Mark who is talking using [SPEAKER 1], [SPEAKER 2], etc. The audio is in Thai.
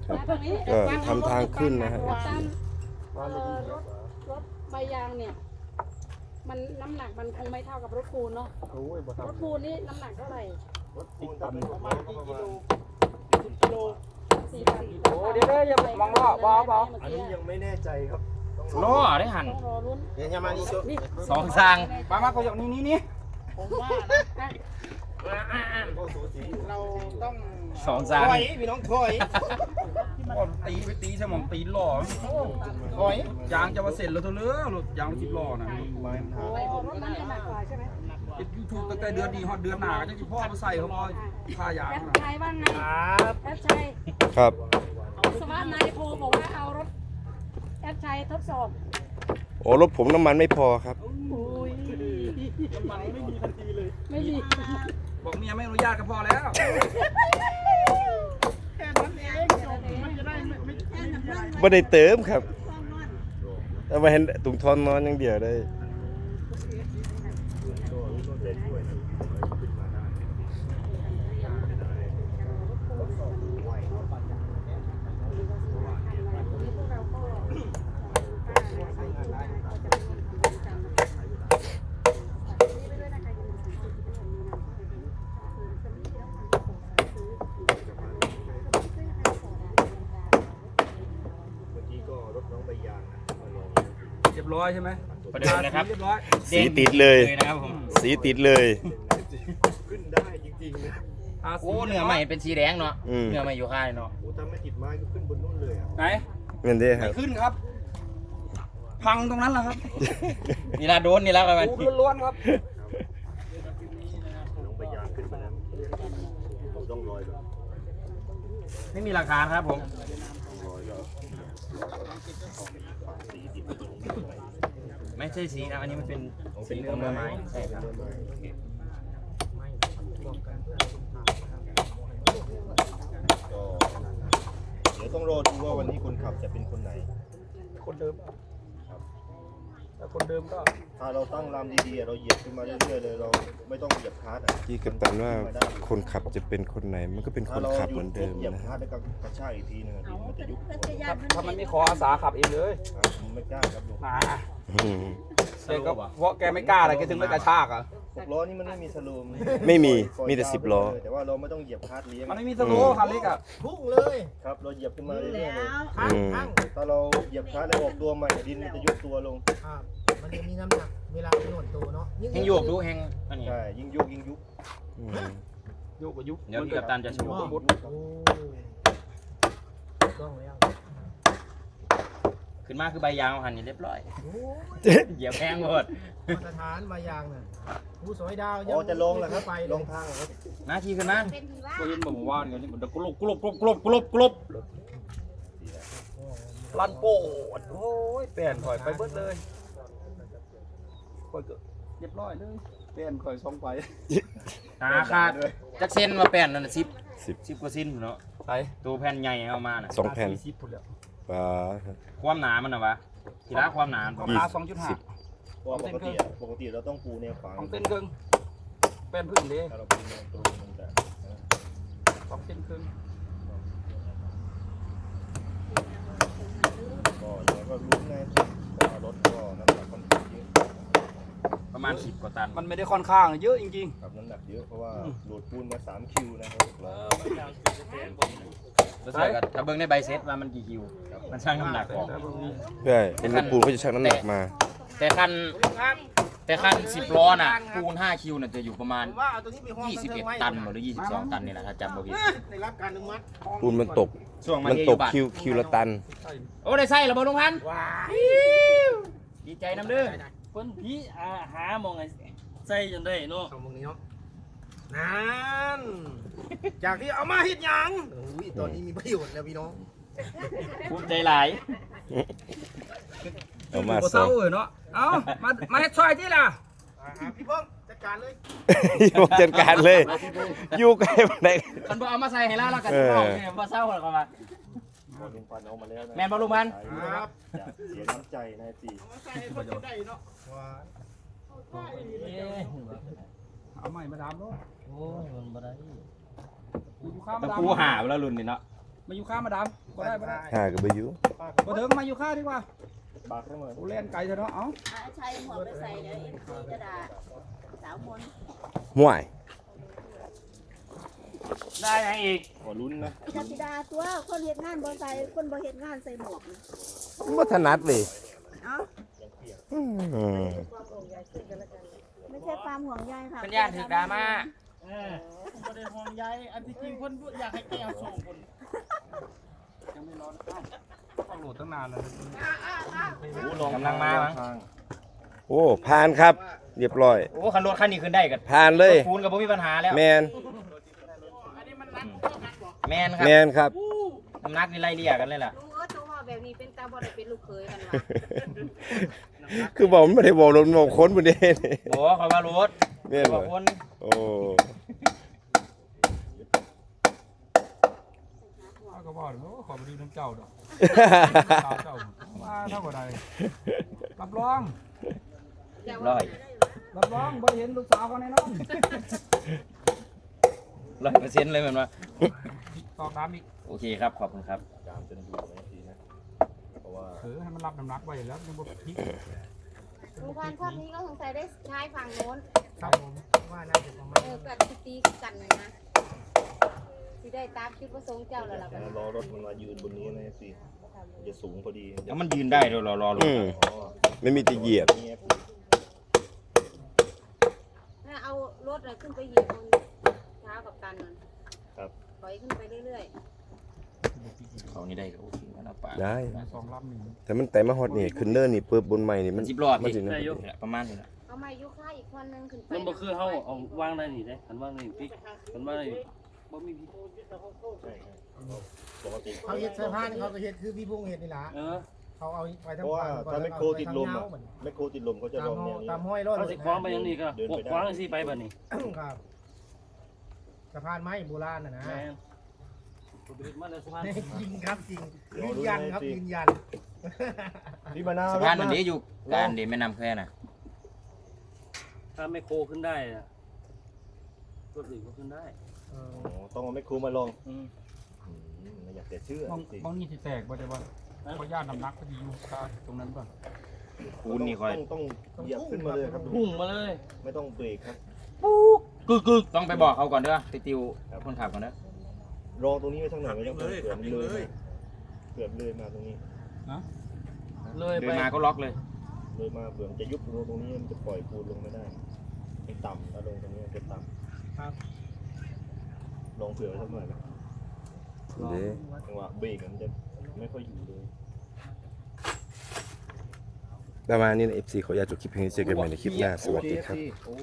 [SPEAKER 1] ก็ทำทางขึ้นนะฮะ
[SPEAKER 2] รถใบยางเนี่ยมันน้ำหนักมันคงไม่เท่ากับรถปูนเนาะรถปูนนี่น้ำหนักเท่าไหร่ประมาณกี่กิโล10 กิโล4,000โอ้เดี๋ยวอย่ามองล้อบอ
[SPEAKER 3] อันนี้ยังไม่แน่ใจครับ
[SPEAKER 4] ล้อได้หัน
[SPEAKER 2] ต้องรอลุ้น
[SPEAKER 3] เดี๋ยวจะมานี่ชุด
[SPEAKER 4] สองสร้างมาก็อย่างนี้
[SPEAKER 2] ผมว่านะ
[SPEAKER 3] เราต้อง
[SPEAKER 4] สองสร้าง
[SPEAKER 3] ถอยพี่น้องถอย
[SPEAKER 5] ตีไปตีใช่หมองตีล้อ
[SPEAKER 3] ถอย
[SPEAKER 5] ยางจะมาเสร็จแล้วเท่าเรือรถยาง10 ล้อนะ
[SPEAKER 3] ไม้มันหา
[SPEAKER 2] โอ้รถนั้นเนี่ยหนักกว่าใช่ไหม
[SPEAKER 5] ติดยูทูบตั้งแต่เดือนนี้ฮอดเดือนหน้าก็จะพ่อมาใส่เขามาผ้ายาง
[SPEAKER 2] แอด
[SPEAKER 5] นะ
[SPEAKER 2] ชัยว่าไง
[SPEAKER 3] ครับ
[SPEAKER 2] แอดชัย
[SPEAKER 1] ครับ
[SPEAKER 2] สวัสดิ์นายโพบอกว่าเอารถแอดชัยทดสอบ
[SPEAKER 1] โอ้รถผมน้ำมันไม่พอครับ
[SPEAKER 2] อุ้ย
[SPEAKER 3] มันไม่มีทันทีเลย
[SPEAKER 2] ไม่มี
[SPEAKER 5] บอกเมียไม่อนุญาตก็พอแล้ว
[SPEAKER 3] แค่นั้นเองจบมันจะได้ไม่
[SPEAKER 1] ไม่ได้เติมครับเอามาเห็นถุงทอนนอนอย่างเดียวได้
[SPEAKER 3] เมื่อกี้ก็รถน้องใบยางนะมาลอง
[SPEAKER 5] เรียบร้อยใช่ไหม
[SPEAKER 4] ประเดิมนะครับ
[SPEAKER 5] เรียบร้อย
[SPEAKER 1] สีติดเลย
[SPEAKER 4] นะครับผม
[SPEAKER 1] สีติดเลย
[SPEAKER 3] ขึ้นได้จริงๆนะ
[SPEAKER 4] โอ้เนื้อใหม่เป็นสีแดงเนาะ
[SPEAKER 1] อืม
[SPEAKER 4] เนื้อใหม่อยู่ค่ายเนาะ
[SPEAKER 3] โอ้ถ้าไม่ติดไม้ก็ขึ้นบนนู่นเลยอ่ะ
[SPEAKER 5] ไหน
[SPEAKER 1] เงินได้ค
[SPEAKER 5] ไม่
[SPEAKER 1] รับ
[SPEAKER 5] ขึ้นครับ พังตรงนั้นแหละครับ
[SPEAKER 4] นี่ละโดนนี่ละกัน
[SPEAKER 5] ปูล้วนๆครับ
[SPEAKER 3] น้องใบยางขึ้นมาแล้วผมต้องรอยก่อน
[SPEAKER 4] ไม่มีราคาครับผม
[SPEAKER 3] รอยก็สีติด
[SPEAKER 4] ไม่ใช่สีนะอันนี้มันเป็นสีเนื้อไม้ใช่ครับ
[SPEAKER 3] ก็เดี๋ยวต้องรอดูว่าวันนี้คนขับจะเป็นคนไหน
[SPEAKER 5] คนเดิมแต่คนเดิมก็
[SPEAKER 3] ถ้าเราตั้งลำดีๆเราเหยียบขึ้นมาเรื่อยๆเลยเราไม่ต้องเหยียบคาร์ดอ่ะ
[SPEAKER 1] ที่กัปตันว่าคนขับจะเป็นคนไหนมันก็เป็นค
[SPEAKER 3] ถ้าน เรา
[SPEAKER 1] ขับ
[SPEAKER 3] หยุ
[SPEAKER 1] เหมื
[SPEAKER 3] ด
[SPEAKER 1] อนเดิม
[SPEAKER 3] เหยียบ
[SPEAKER 1] นะ
[SPEAKER 3] คาร์ดแล้วก็กระชากอีกทีนึงดินมันจะยุบตัว
[SPEAKER 5] ถ้ามันไม่ขออาสาขับเองเลย
[SPEAKER 3] ผมไม่กล้าครับลุง
[SPEAKER 1] อืม
[SPEAKER 5] แกก็เพราะแกไม่กล้าอะไรแกถึงไม่กระชากอ่ะ
[SPEAKER 3] 6 ล้อนี่มันไม่มีสโลม
[SPEAKER 1] ไม่มีมีแต่10 ล้อ
[SPEAKER 3] แต่ว่าเราไม่ต้องเหยียบคาร์ดเลี้ยง
[SPEAKER 5] มันไม่มีสโลว์คันเล็กอ่ะ
[SPEAKER 3] พุ่งเลยครับเราเหยียบขึ้นมาเรื่อยๆเลย
[SPEAKER 1] อืม
[SPEAKER 3] ถ้าเราเหยียบคาร์ดแล้วออกตัวใหม่ดินมันจะยุบตัวลง
[SPEAKER 6] มันจะมีน้ำหนักเวลาหน่วงตัวเนาะ
[SPEAKER 4] แห้งโยกดูแห้งอันนี้
[SPEAKER 3] ใช่ยิ่งยุบยิ่งยุบ
[SPEAKER 1] อืม
[SPEAKER 5] โยกกับยุบ
[SPEAKER 4] เดี๋ยวพี่กัปตันจะโชว์
[SPEAKER 6] โอ้ต้องแล้ว
[SPEAKER 4] ขึ้นมาคือใบยางหันนี่เรียบร้อยเหยียบแห้งหมด
[SPEAKER 6] มาตรฐานมายางน่ะผู้สวยดาว
[SPEAKER 3] อ๋อจะลงแล้วครับ
[SPEAKER 6] ไป
[SPEAKER 3] ลงทางเหรอครับ
[SPEAKER 4] หน้าที่ขึ้นมา
[SPEAKER 5] ก็ยินบอกว่าเนี่ยนี่มันกลบลันโปดโอ้ยเปลี่ยนข่อยไปเบิดเลยข่อยก็เรียบร้อยเลยเปลี่ยนข่อยส่งไป
[SPEAKER 4] ขาดจักเส้นมาแป้นนั่นน่ะ
[SPEAKER 1] 10
[SPEAKER 4] 10กว่าเส้นเนาะ
[SPEAKER 5] ไป
[SPEAKER 4] ตัวแผ่นใหญ่เอามาน่ะ
[SPEAKER 1] 2 แผ่น
[SPEAKER 5] 40พุ่นแล้ว
[SPEAKER 1] ว้า
[SPEAKER 4] ความหนามันน่ะวะทีละความหนา
[SPEAKER 5] ราคา2.5
[SPEAKER 3] เพราะว่าปกติเราต้องปูแนวขวาง
[SPEAKER 5] 2 เส้นครึ่งเป็นพึ่งเด้
[SPEAKER 3] ถ้าเราปูแนวตรงมันจะ
[SPEAKER 5] 2 เส้นครึ่ง
[SPEAKER 3] ก็ยังก็รู้ไงเพราะว่ารถก็น้ำหนักค่อนข้างเยอะ
[SPEAKER 4] ประมาณ10กว่าตัน
[SPEAKER 5] มันไม่ได้ค่อนข้างเยอะจริง
[SPEAKER 3] ครับน้ำหนักเยอะเพราะว่าโหลดปูนมา3 คิวนะครับ6 ล้อ
[SPEAKER 4] แล้วใส่กับถ้าเบิ่งในใบเซ็ตว่ามันกี่คิวมันชั่งน้ำหนักออก
[SPEAKER 1] ใช่เป็นรถปูนเขาจะชั่งน้ำหนักมา
[SPEAKER 4] แต่คัน10 ล้อน่ะปูน5คิวน่ะจะอยู่ประมาณ
[SPEAKER 6] ว่าเอาตัวนี้ไปห้อง
[SPEAKER 4] 21 ตันหรือ22 ตันนี่แหละถ้าจำบ่ผิด
[SPEAKER 6] ได้รับการอนุมัติ
[SPEAKER 1] ปูนมันตก
[SPEAKER 4] ช่วง
[SPEAKER 1] มันตกคิวละตัน
[SPEAKER 4] โอ้ได้ใส่แล้วบ่ลุงพันธุ์ดีใจนำเด้อ
[SPEAKER 7] เพิ่นพี่หาหมองไงใส่จนได้เนาะ
[SPEAKER 6] เอามึงนี้เนาะนั่นจากที่เอามาเฮ็ดหยังอุ้ยตอนนี้มีประโยชน์แล้วพี่น้อง
[SPEAKER 4] ภูมิใจหลาย
[SPEAKER 1] เอามา
[SPEAKER 5] บ่
[SPEAKER 1] สอ
[SPEAKER 5] เศร้าง เลยเนาะเอามาเฮ็ดซอยที่ล่ะ
[SPEAKER 6] พี่เพิ่งจัดการเลย
[SPEAKER 1] อยู่จัดการเลย อยู่ใกล้มาไหน
[SPEAKER 4] คันบ่เอามาใส่ให้แล้วกันสิเอาเนี่ยบ่เศร้าหรอกว่า
[SPEAKER 3] พอลุงปันเอามาแล้วนะ
[SPEAKER 4] แม่นบ่ลุงพันธุ์
[SPEAKER 3] ครับจะเสียน้ำใจนะสิ
[SPEAKER 5] เอาใหม่มาดามเนาะ
[SPEAKER 7] โอ้ยมันบ่ได้
[SPEAKER 5] กูอยู่ข้าม
[SPEAKER 4] ตะ
[SPEAKER 5] มาดาม
[SPEAKER 4] ปูหาแล้วรุ่นนี่เนาะ
[SPEAKER 5] มาอยู่ข้ามาดามบ่ได้บ่ได้
[SPEAKER 1] หาก็บ่อยู่
[SPEAKER 5] บ่ถึงมาอยู่ข้าดีกว่า
[SPEAKER 3] ปากให้หน่อย
[SPEAKER 5] กูเล่นไก่เถอะเนาะเอ้า
[SPEAKER 8] ใช้หมวกไปใส่เดี๋ยวเอ็มซีจะด่าสาวมน
[SPEAKER 1] ห่วย
[SPEAKER 7] ได้ยังอีก
[SPEAKER 3] ขอลุ้นนะ
[SPEAKER 8] จักสิดาตัวคนเฮ็ดงานบ่ใส่คนบ่เฮ็ดงานใส่หมวก
[SPEAKER 1] บ่ถนัดเลย
[SPEAKER 8] เอ้า
[SPEAKER 1] อืม
[SPEAKER 8] ไม่ใช่ความห่วงใยค่ะ
[SPEAKER 4] เป็นญาติถึกดราม่า
[SPEAKER 7] ประเด็นห่วงใยอันที่จริงคนอยากให้แก้วส่งคน
[SPEAKER 5] ยังไม่ร้อนต้องโหลดตั้งนานเลย
[SPEAKER 4] กำลังมามั้ง
[SPEAKER 1] โอ้ผ่านครับ เรียบร้อย
[SPEAKER 4] โอ้คันรถคันนี้ขึ้นได้กับ
[SPEAKER 1] ผ่านเลย
[SPEAKER 4] ปูนกับบ่มีปัญหาแล้ว
[SPEAKER 1] แมน
[SPEAKER 4] แมนครับ
[SPEAKER 1] แมนครับ
[SPEAKER 4] น้ำหนักนี่ไล่เลี่ยกันเลยล่ะ
[SPEAKER 8] ลุงตัวว่าแบบนี้เป็นตาบ่ได้เป็นลูกเขยกันว่ะ
[SPEAKER 1] คือบอกมันไม่ได้บอกลมบอกค้นประเด็น
[SPEAKER 4] โอ้คอยว่ารถ
[SPEAKER 1] แม่น
[SPEAKER 4] บ
[SPEAKER 1] บ่
[SPEAKER 4] อกคน
[SPEAKER 1] โอ้
[SPEAKER 5] เอาก็บอกเลยว่าขอไปดูน้ำเจ้าดอกเจ้ามาเท่ากับใดรับรอง
[SPEAKER 4] ร้อย
[SPEAKER 5] รับรองบ่เห็นลูกสาวเขาแน่นอน
[SPEAKER 4] 100%เลยเหมือนว่า
[SPEAKER 5] ตอกน้ำอีก
[SPEAKER 4] โอเคครับขอบคุณครับ
[SPEAKER 3] จามจนดูนะทีนะเพราะว่า
[SPEAKER 5] ให้มันรับน้ำหนักไว้แล้วยังบ่พลิก
[SPEAKER 8] ลุงพันภาพนี้ก็สงสัยได้ใช้ฝั่งโน้น
[SPEAKER 5] ครับผม
[SPEAKER 6] ว่าน่าจะประมาณ
[SPEAKER 8] กัดตีกันเลยนะสิได้ตามคิดประสงค์เจ้าแล้วล่ะบัดนี้
[SPEAKER 3] รอรถมันมายืนบนนี้นะสิจะสูงพอดี
[SPEAKER 4] แล้วมันยืนได้ด้วยรอรถ
[SPEAKER 1] อืม
[SPEAKER 3] อ๋อ
[SPEAKER 1] ไม่มีจะเหยียบ
[SPEAKER 3] นี่
[SPEAKER 8] ถ้าเอารถน่ะขึ้นไปเหยียบบนเท้ากับตันนั่น
[SPEAKER 3] ครับ
[SPEAKER 8] ปล่อยขึ้นไปเรื่อย
[SPEAKER 4] เขานี่ได้ก็โอเคนะป่า
[SPEAKER 1] ได้
[SPEAKER 5] สองลำนี่
[SPEAKER 1] แต่มันแต่มาฮอดนี่ขึ้นเนินนี่เปิบบนใหม่นี่
[SPEAKER 4] มั
[SPEAKER 1] มัน น
[SPEAKER 4] 10รอบ
[SPEAKER 1] มัน
[SPEAKER 4] พี่
[SPEAKER 1] สินะ
[SPEAKER 4] ประมาณนี้แหละ
[SPEAKER 8] ๆเอาไม้ยุค่าอีกคนนึงขึ้นไป
[SPEAKER 7] มันบ่คือเฮาเอาวางได้นี่เด้คันวางนี่ปิ๊กคันวางนี่บ่มีพี่
[SPEAKER 3] ใช่ครับปกติ
[SPEAKER 6] เขาเฮ็ดเสื้อผ้านี่เขาก็เฮ็ดคือพี่พุ่งเฮ็ดนี่ล่ะ
[SPEAKER 7] เออ
[SPEAKER 6] เขาเอาไปทั้
[SPEAKER 3] เพ
[SPEAKER 6] ง
[SPEAKER 3] ราะว่า
[SPEAKER 6] ฝั่ง
[SPEAKER 3] ถ้าไม่โคติดลมอ่ะ
[SPEAKER 6] เหมือน
[SPEAKER 3] ไม่โคติดลมเขาจะล
[SPEAKER 6] ตาม
[SPEAKER 3] อง
[SPEAKER 6] ห้
[SPEAKER 3] แน
[SPEAKER 6] อ
[SPEAKER 3] วนี้
[SPEAKER 6] ตามห้อยรถ
[SPEAKER 7] เขาสิคว้างไปยังนี่ก็พวกคว้างสิไปบัดนี้
[SPEAKER 6] ครับสะพานไม้โบราณน่ะนะ
[SPEAKER 7] แม่นผมไปมาแล้วสะพาน
[SPEAKER 6] จริงครับจริงยืนยันครับยืนยัน
[SPEAKER 3] พี่มานาว
[SPEAKER 4] สะพานมันนี้อยู่การเดแม่น้ำแควน่ะ
[SPEAKER 7] ถ้าไม่โคขึ้นได้อะรถอื่นก็ขึ้นได้
[SPEAKER 3] อ๋อต้องเอาไมโครมาลอง
[SPEAKER 7] อืม
[SPEAKER 3] ไม่อยากจะเชื่อบ
[SPEAKER 5] างนี่สิแตกบ่ได้ว่าเพราะย่านน้ำหนักก็ดีอยู่ตรงนั้นป่ะ
[SPEAKER 4] ปูนนี่ค่อย
[SPEAKER 3] ต้องเหยียบขึ้นมาเลยครับ
[SPEAKER 7] พุ่งมาเลย
[SPEAKER 3] ไม่ต้องเบรกครับ
[SPEAKER 4] กึกต้องไปบอกเขาก่อนเด้อไปติวคนขับก่อนเด้อ
[SPEAKER 3] รอตรงนี้ไว้ทั้งหน่อยไม่ต้องเผื่อมันเลยเผื่อเลยมาตรงนี้
[SPEAKER 7] เลย
[SPEAKER 4] เดิ
[SPEAKER 7] ไป
[SPEAKER 4] นมาก็ล็อกเลย
[SPEAKER 3] เลยมาเผื่อมันจะยุบตรงนี้มันจะปล่อยปูนลงไม่ได้ให้ต่ำถ้าลงตรงนี้จะต่ำลองเผื่อไว้สักหน่อยไหม
[SPEAKER 1] เด้
[SPEAKER 3] จังหวะเบรกมันจะไม่ค่อยอยู่เลย
[SPEAKER 1] ประมาณนี้นะ FC ขออนุญาตจบคลิปเพียงนี้เจอกันใหม่ในคลิปหน้าสวัสดีครับ
[SPEAKER 3] โอ